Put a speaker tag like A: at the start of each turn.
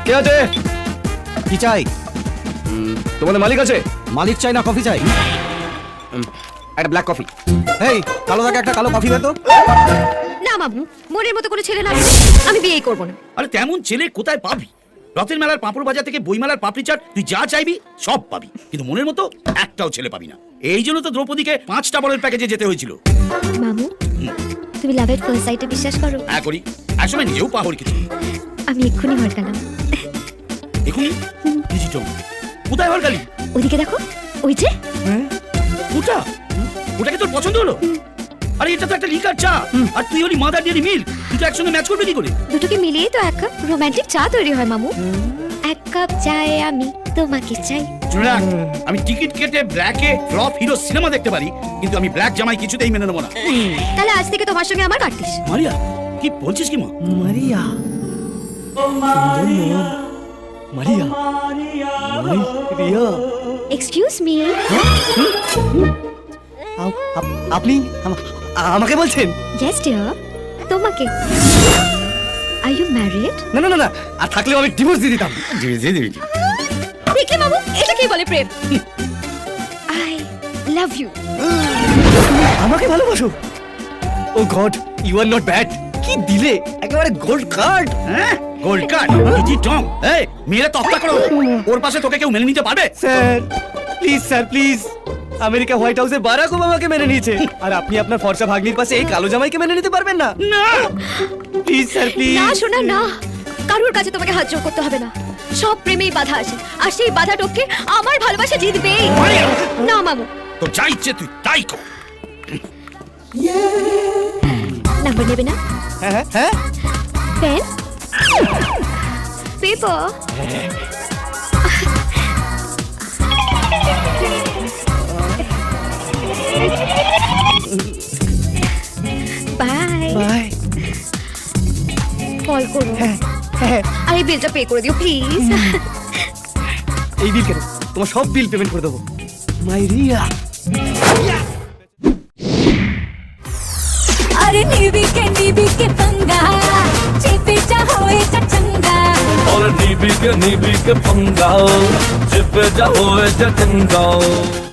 A: কে আছে?
B: কি চাই?
A: তোমাদের মালিক আছে?
B: মালিক চাই না কফি চাই?
A: একটা ব্ল্যাক কফি।
B: এই কালো দাগে একটা কালো কফি দে তো।
C: না মামু, মনের মতো কোনো ছেলে না, আমি বিয়েই করব না।
D: আরে তেমন ছেলে কোথায় পাবি? রথের মেলার পাঁপড় বাজার থেকে বইমেলার পাপড়ি চাট তুই যা চাইবি সব পাবি, কিন্তু মনের মতো একটাও ছেলে পাবি না। এই জন্য তো দ্রৌপদীকে 5টা বলের প্যাকেজে যেতে হয়েছিল।
C: মামু, তুমি লাভ এট ফার্স্ট সাইটে বিশ্বাস করো?
D: হ্যাঁ করি, একসময় নিজেও পা হরকেছি।
C: আমি এক্ষুনি হরকালাম।
D: এখনই ডিজিটাল কোথায় হরকালি?
C: ওদিকে দেখো, ওই যে
D: ওটা, ওটাকে তোর পছন্দ হলো? আরে এটা তো একটা লিকার চা, আর তুই হলি মাদার ডেয়ারি মিল্ক, দুটো একসঙ্গে ম্যাচ করবে কি করে?
C: দুটোকে মিলিয়েই তো এক কাপ রোমান্টিক চা তৈরি হয় মামু। এক কাপ চায়ে আমি তোমাকে চাই।
D: শুনে রাখ, আমি টিকিট কেটে ব্ল্যাকে ফ্লপ হিরো সিনেমা দেখতে পারি, কিন্তু আমি ব্ল্যাক জামাই কিছুতেই মেনে নেবো না।
C: তাহলে আজ থেকে তোমার সঙ্গে আমার কাটতিস।
D: মারিয়া, কি বলছিস কি মা?
A: মারিয়া, মারিয়া, মারিয়া।
C: এক্সকিউজ মি,
A: আপনি আমাকে বলছেন?
C: ইয়েস ডিয়ার, তোমাকে। Are you married?
A: না না না না, আর থাকলেও আমি ডিভোর্স দিয়ে দিতাম।
C: দেখলে মামু, এটা কি বলে প্রেম? I love you.
A: আমাকে ভালোবাসো? Oh god, you are not bad. কি দিলে, একেবারে গোল্ড কার্ড।
D: হ্যাঁ, গোল্ড কার্ড, ইজি টং। এই মেয়েরা তক্তা করো, ওর পাশে তোকে কেউ মেনে নিতে পারবে?
A: Sir please, sir please. America White হাউসে বারাক ওবামাকে মেনে নিয়েছে, আর আপনি আপনার ফর্সা ভাগ্নির পাশে এই কালো জামাইকে মেনে নিতে পারবেন না?
D: না
A: প্লিজ স্যার, প্লিজ।
C: না শোনা না, কারোর কাছে তোমাকে হাত জোড় করতে হবে না। সব প্রেমেই বাধা আসে, আর সেই বাধা টপকে আমার ভালোবাসা জিতবে। না মামু,
D: তো যা ইচ্ছে তুই তাই কর।
C: নাম্বার নেবে না?
A: হ্যাঁ হ্যাঁ হ্যাঁ।
C: Pen, paper. Bye
A: bye.
C: Call করো।
A: হ্যাঁ হ্যাঁ।
C: আর এই বিলটা পে করে দিও প্লিজ।
A: এই বিল কেন? তোমার সব বিল পেমেন্ট করে দেবো। মাইরিয়া।
E: अरे नीबी के पंगा चिपे होए चंगा
F: और नीबी के पंगा चिपे होए चंगा।